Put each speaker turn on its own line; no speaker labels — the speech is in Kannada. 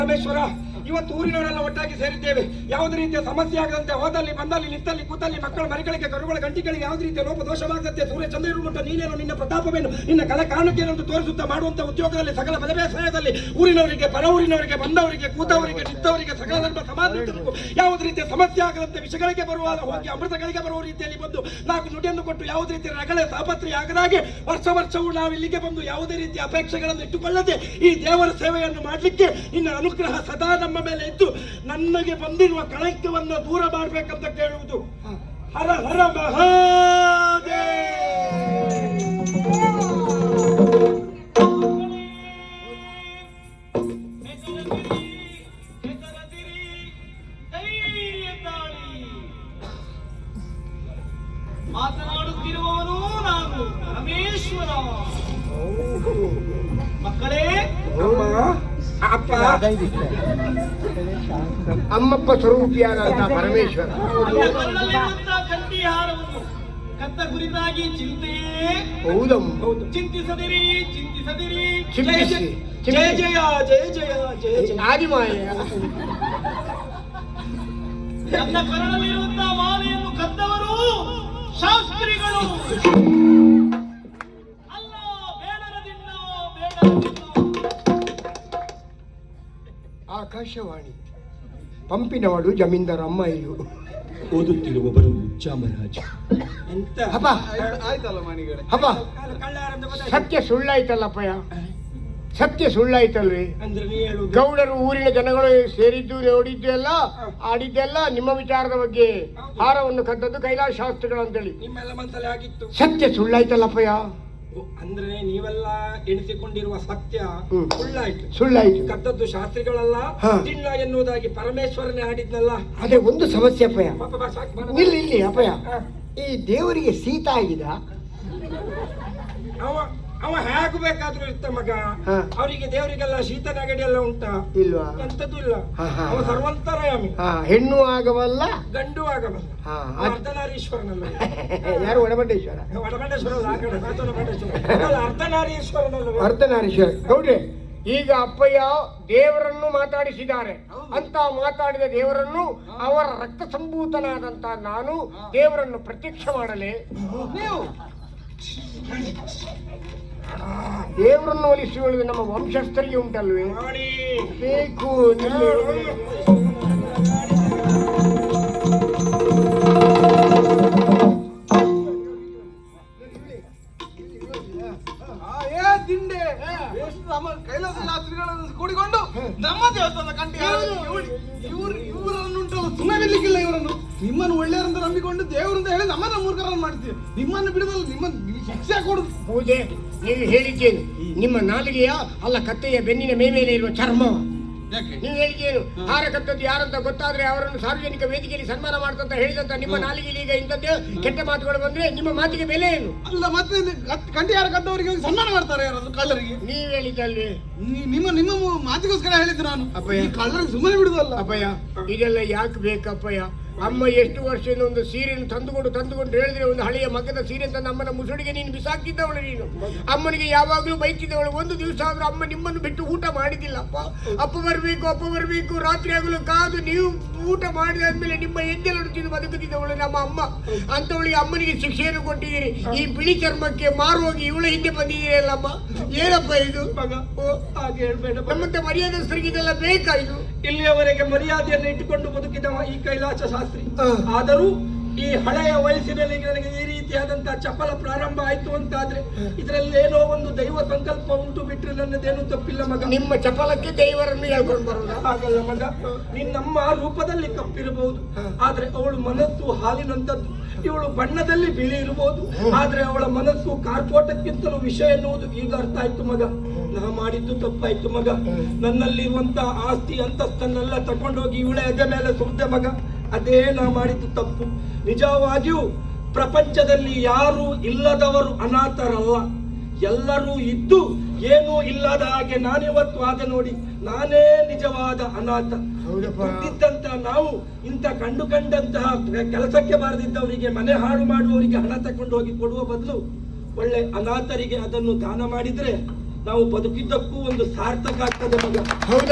ರಾಮೇಶ್ವರ, ಇವತ್ತು ಊರಿನವರೆಲ್ಲ ಒಟ್ಟಾಗಿ ಸೇರಿದ್ದೇವೆ. ಯಾವುದೇ ರೀತಿಯ ಸಮಸ್ಯೆ ಆಗದಂತೆ, ಹೋದಲ್ಲಿ ಬಂದಲ್ಲಿ ನಿಂತಲ್ಲಿ ಕೂತಲ್ಲಿ ಮಕ್ಕಳ ಮರಿಗಳಿಗೆ ಕರುಗಳ ಗಂಟಿಗಳಿಗೆ ಯಾವುದೇ ರೀತಿಯ ಲೋಪದೋಷವಾಗದಂತೆ ಸೂರ್ಯ ಚಂದ್ರರು ಮಟ್ಟ ನೀನೇನು ನಿನ್ನ ಪ್ರತಾಪವೇನು ನಿನ್ನ ಕಲೆ ಕಾರಣಕ್ಕೇನೆಂದು ತೋರಿಸುತ್ತಾ ಮಾಡುವಂತಹ ಉದ್ಯೋಗದಲ್ಲಿ ಸಕಲ ಬಲ ಬೇಸಾಯದಲ್ಲಿ ಊರಿನವರಿಗೆ ಪರ ಊರಿನವರಿಗೆ ಬಂದವರಿಗೆ ಕೂತವರಿಗೆ ನಿಂತವರಿಗೆ ಸಕಲ ಧರ್ಮ ಸಮಾಜಕ್ಕೂ ಯಾವುದೇ ರೀತಿಯ ಸಮಸ್ಯೆ ಆಗದಂತೆ ವಿಷಯಗಳಿಗೆ ಬರುವ ಹೋಗಿ ಅಮೃತಗಳಿಗೆ ಬರುವ ರೀತಿಯಲ್ಲಿ ಬಂದು ನಾವು ನುಡಿಯನ್ನು ಕೊಟ್ಟು ಯಾವುದೇ ರೀತಿಯ ರಗಳೆ ತಾಪತ್ರೆ ಆಗದಾಗೆ ವರ್ಷವೂ ನಾವು ಇಲ್ಲಿಗೆ ಬಂದು ಯಾವುದೇ ರೀತಿಯ ಅಪೇಕ್ಷೆಗಳನ್ನು ಇಟ್ಟುಕೊಳ್ಳದೆ ಈ ದೇವರ ಸೇವೆಯನ್ನು ಮಾಡಲಿಕ್ಕೆ ನಿನ್ನ ಅನುಗ್ರಹ ಸದಾ ನಮ್ಮ ಮೇಲೆ ಇದ್ದು ನನಗೆ ಬಂದಿರುವ ಕಳಂಕವನ್ನು ದೂರ ಮಾಡಬೇಕಂತ ಕೇಳುವುದು. ಹರ ಹರ ಮಹಾದೇವ.
ಮಾತನಾಡುತ್ತಿರುವವನು ನಾನು ಪರಮೇಶ್ವರ. ಮಕ್ಕಳೇ,
ಅಪ್ಪ
ಅಮ್ಮಪ್ಪ ಸ್ವರೂಪಿಯಾದಂತಹ ಪರಮೇಶ್ವರ
ಕಂಠಿಹಾರವನ್ನು ಕತ್ತ ಕುರಿತಾಗಿ ಚಿಂತೆಯೇ
ಹೌದು.
ಚಿಂತಿಸದಿರಿ ಚಿಂತಿಸದಿರಿ.
ಚಿಂತಿಸಿ
ಜಯ ಜಯ ಜಯ ಜಯ ಜಯ ಜಯ.
ಆದಿಮಾಯ
ನನ್ನ ಕರಳಲ್ಲಿರುವಂತಹ ಮಾಲೆಯನ್ನು ಕದ್ದವರು ಶಾಸ್ತ್ರಿಗಳು ಅಲ್ಲ, ಬೇಡರದಿಂದ ಬೇಡರದಿಂದ.
ಆಕಾಶವಾಣಿ ಪಂಪಿನವಳು ಜಮೀನ್ದಾರ ಅಮ್ಮ ಇದು
ಓದುತ್ತಿರುವವರು ಚಾಮರಾಜ. ಎಂತ
ಹಬ್ಬ ಹಬ್ಬ ಸತ್ಯ ಸುಳ್ಳಾಯ್ತಲ್ಲಪ್ಪಯ್ಯ, ಸತ್ಯ ಸುಳ್ಳಾಯ್ತಲ್ರಿ.
ಅಂದ್ರೆ ನೀ ಹೇಳುದು
ಗೌಡರು ಊರಿನ ಜನಗಳು ಸೇರಿದ್ದು ನೋಡಿದ್ದೆಲ್ಲ ಆಡಿದ್ದೆಲ್ಲ ನಿಮ್ಮ ವಿಚಾರದ ಬಗ್ಗೆ. ಹಾರವನ್ನು ಕದ್ದದ್ದು ಕೈಲಾಸ ಶಾಸ್ತ್ರಿಗಳು ಅಂತೇಳಿ
ನಿಮ್ಮೆಲ್ಲ ಮನಸ್ಸಲ್ಲಿ ಆಗಿತ್ತು.
ಸತ್ಯ ಸುಳ್ಳಾಯ್ತಲ್ಲಪ್ಪಯ್ಯ.
ಅಂದ್ರೆ ನೀವೆಲ್ಲ ಎಣಿಸಿಕೊಂಡಿರುವ ಸತ್ಯ ಸುಳ್ಳಾಯ್ತು. ಕದ್ದದ್ದು ಶಾಸ್ತ್ರಿಗಳಲ್ಲ, ದಿಣ್ಣ ಎನ್ನುವುದಾಗಿ ಪರಮೇಶ್ವರನೇ ಆಡಿದ್ನಲ್ಲ.
ಅದೇ ಒಂದು ಸಮಸ್ಯೆ ಅಪ್ಪಯ್ಯ.
ಪಾಪ ಬಾ, ಸಾಕು ಬಾ.
ಇಲ್ಲಿ ಅಪ್ಪಯ್ಯ, ಈ ದೇವರಿಗೆ ಶೀತ ಆಗಿದೆ.
ಅವ ಹೇಗೆ ಬೇಕಾದ್ರೂ ಇರ್ತ ಮಗ. ಅವರಿಗೆ ದೇವರಿಗೆಲ್ಲ ಶೀತ ನೆಗಡಿ ಎಲ್ಲ ಉಂಟಾ?
ಇಲ್ವಾ?
ಎಂತದ್ದು ಇಲ್ಲ. ಅವ ಸರ್ವಂತರಯಾಮಿ.
ಹೆಣ್ಣು ಆಗವಲ್ಲ
ಗಂಡು ಆಗಬಲ್ಲ. ಅರ್ಧನಾರೀಶ್ವರನಲ್ಲ.
ಯಾರು? ಒಡಮಂಡೇಶ್ವರ.
ವಡಮಂಡೇಶ್ವರ ಅಲ್ಲ, ಆ ಕಡೆ ವಡಮಂಡೇಶ್ವರ ಅರ್ಧನಾರೀಶ್ವರನಲ್ಲ.
ಅರ್ಧನಾರೀಶ್ವರ. ಗೌಡ್ರೆ, ಈಗ ಅಪ್ಪಯ್ಯ ದೇವರನ್ನು ಮಾತಾಡಿಸಿದ್ದಾರೆ ಅಂತ ಮಾತಾಡಿದ ದೇವರನ್ನು ಅವರ ರಕ್ತ ಸಂಭೂತನಾದಂತ ನಾನು ದೇವರನ್ನು ಪ್ರತ್ಯಕ್ಷ ಮಾಡಲೇ? ನೀವು ದೇವರನ್ನು ಒಲಿಸಿಕೊಳ್ಳುವುದು ನಮ್ಮ ವಂಶಸ್ಥರಿಗೆ ಉಂಟಲ್ವೇ? ಬೇಕು.
ಕೈಲಾಸ ಶಾಸ್ತ್ರಿಗಳನ್ನು ಕೂಡಿಕೊಂಡು ನಮ್ಮ ದೇವಸ್ಥಾನ ಕಂಡು ಇವರನ್ನುಂಟಲ್ಲ ಸುಮ್ಮನಿರ್ಲಿಕ್ಕಿಲ್ಲ. ಇವರನ್ನು ನಿಮ್ಮನ್ನು ಒಳ್ಳೆಯವರಂತ ನಂಬಿಕೊಂಡು ದೇವರಂತ ಹೇಳಿ ನಮ್ಮನ್ನ ಮೂರ್ಖರನ್ನು ಮಾಡ್ತೀವಿ. ನಿಮ್ಮನ್ನು ಬಿಡುದಲ್ಲ, ನಿಮ್ಮ ಶಿಕ್ಷೆ ಕೊಡುದು.
ಪೂಜೆ ನೀವು ಹೇಳಿದ್ದೇನು? ನಿಮ್ಮ ನಾಲಿಗೆಯ ಅಲ್ಲ ಕತ್ತೆಯ ಬೆನ್ನಿನ ಮೇಲೆ ಇರುವ ಚರ್ಮ. ನೀವು ಹೇಳಿದ್ದೇನು? ಹಾರ ಕತ್ತದ್ದು ಯಾರಂತ ಗೊತ್ತಾದ್ರೆ ಅವರನ್ನು ಸಾರ್ವಜನಿಕ ವೇದಿಕೆಯಲ್ಲಿ ಸನ್ಮಾನ ಮಾಡ್ತಂತ ಹೇಳಿದಂತ ನಿಮ್ಮ ನಾಲಿಗೆಯಲ್ಲಿ ಈಗ ಇಂಥದ್ದೇ ಕೆಟ್ಟ ಮಾತುಗಳು ಬಂದ್ರೆ ನಿಮ್ಮ ಮಾತಿಗೆ ಬೆಲೆ ಏನು? ಅಲ್ಲ, ಮತ್ತೆ
ಕಂಠಿ ಯಾರ ಕದ್ದವರಿಗೆ ಸನ್ಮಾನ ಮಾಡ್ತಾರೆ ಯಾರಾದ್ರೂ ಕಳ್ಳರಿಗೆ?
ನೀವು ಹೇಳಿದ್ದಲ್ವೇ?
ನಿಮ್ಮ ಮಾತಿಗೋಸ್ಕರ ಹೇಳಿದ್ದು ನಾನು.
ಅಪ್ಪಯ್ಯ,
ಕಳ್ಳರಿಗೆ ಸುಮ್ಮನೆ ಬಿಡುದಲ್ಲ.
ಅಪ್ಪಯ್ಯ, ಇದೆಲ್ಲ ಯಾಕೆ ಬೇಕಪ್ಪಯ್ಯ? ಅಮ್ಮ ಎಷ್ಟು ವರ್ಷದಿಂದ ಒಂದು ಸೀರೆಯನ್ನು ತಂದುಕೊಂಡು ಹೇಳಿದ್ರೆ ಒಂದು ಹಳೆಯ ಮಗದ ಸೀರೆ ತಂದು ಅಮ್ಮನ ಮುಸುಡಿಗೆ ನೀನು ಬಿಸಾಕಿದ್ದವಳು. ನೀನು ಅಮ್ಮನಿಗೆ ಯಾವಾಗಲೂ ಬೈತಿದ್ದವಳು. ಒಂದು ದಿವಸ ಆದ್ರೂ ಅಮ್ಮ ನಿಮ್ಮನ್ನು ಬಿಟ್ಟು ಊಟ ಮಾಡಿದಿಲ್ಲ. ಅಪ್ಪ ಬರಬೇಕು ರಾತ್ರಿ ಆಗಲು ಕಾದು ನೀವು ಊಟ ಮಾಡಿದಾದ್ಮೇಲೆ ನಿಮ್ಮ ಎದ್ದೆಲ್ಲೂ ತಿಂದು ಬದುಕುತ್ತಿದ್ದವಳು ನಮ್ಮ ಅಮ್ಮ. ಅಂತವಳಿಗೆ ಅಮ್ಮನಿಗೆ ಶಿಕ್ಷೆಯನ್ನು ಕೊಟ್ಟಿದ್ದೀರಿ. ಈ ಬಿಳಿ ಚರ್ಮಕ್ಕೆ ಮಾರುವಾಗಿ ಇವಳ ಹಿಂದೆ ಬಂದಿದ್ದೀರಲ್ಲಮ್ಮ. ಏನಪ್ಪ ಇದು ಮಗ?
ಹಾಗೆ ಹೇಳ್ಬೇಡ.
ನಮ್ಮಂತ ಮರ್ಯಾದಸ್ಥರಿಗೆ ಇದೆಲ್ಲ ಬೇಕಾ? ಇದು
ಇಲ್ಲಿಯವರೆಗೆ ಮರ್ಯಾದೆಯನ್ನು ಇಟ್ಟುಕೊಂಡು ಬದುಕಿದವ ಈ ಕೈಲಾಸ ಶಾಸ್ತ್ರಿ. ಆದರೂ ಈ ಹಳೆಯ ವಯಸ್ಸಿನಲ್ಲಿ ನನಗೆ ಈ ರೀತಿಯಾದಂತಹ ಚಪಲ ಪ್ರಾರಂಭ ಆಯ್ತು ಅಂತಾದ್ರೆ ಇದರಲ್ಲಿ ಏನೋ ಒಂದು ದೈವ ಸಂಕಲ್ಪ ಉಂಟು, ಬಿಟ್ರೆ ನನ್ನದೇನು ತಪ್ಪಿಲ್ಲ ಮಗ.
ನಿಮ್ಮ ಚಪಲಕ್ಕೆ ದೇವರನ್ನು ಹೇಳ್ಕೊಂಡು ಬರೋಣ?
ಹಾಗಲ್ಲ ಮಗ, ನಿನ್ನಮ್ಮ ರೂಪದಲ್ಲಿ ಕಪ್ಪಿರಬಹುದು, ಆದ್ರೆ ಅವಳು ಮನಸ್ಸು ಹಾಲಿನಂತದ್ದು. ಇವಳು ಬಣ್ಣದಲ್ಲಿ ಬಿಳಿ ಇರಬಹುದು, ಆದ್ರೆ ಅವಳ ಮನಸ್ಸು ಕಾರ್ಪೋಟಕ್ಕಿಂತಲೂ ವಿಷಯ ಎನ್ನುವುದು ಈಗ ಅರ್ಥ ಆಯ್ತು ಮಗ. ನಾ ಮಾಡಿದ್ದು ತಪ್ಪಾಯ್ತು ಮಗ. ನನ್ನಲ್ಲಿರುವಂತಹ ಆಸ್ತಿ ಅಂತಸ್ತನ್ನೆಲ್ಲ ತಕೊಂಡೋಗಿ ಇವಳ ಎದೆ ಮೇಲೆ ಸುರಿದೆ ಮಗ. ಅದೇ ನಾ ಮಾಡಿದ್ದು ತಪ್ಪು. ನಿಜವಾಗಿಯೂ ಪ್ರಪಂಚದಲ್ಲಿ ಯಾರು ಇಲ್ಲದವರು ಅನಾಥರಲ್ಲ, ಎಲ್ಲರೂ ಇದ್ದು ಏನೂ ಇಲ್ಲದ ಹಾಗೆ ನಾನಿವತ್ತು ಆದ ನೋಡಿ. ನಾನೇ ನಿಜವಾದ ಅನಾಥ. ಇದ್ದಂತ ನಾವು ಇಂಥ ಕಂಡಂತಹ ಕೆಲಸಕ್ಕೆ ಬಾರದಿದ್ದವರಿಗೆ, ಮನೆ ಹಾಳು ಮಾಡುವವರಿಗೆ ಹಣ ತಕೊಂಡು ಹೋಗಿ ಕೊಡುವ ಬದಲು ಒಳ್ಳೆ ಅನಾಥರಿಗೆ ಅದನ್ನು ದಾನ ಮಾಡಿದ್ರೆ ನಾವು ಬದುಕಿದ್ದಕ್ಕೂ ಒಂದು ಸಾರ್ಥಕ ಆಗ್ತದೆ ಮಗ.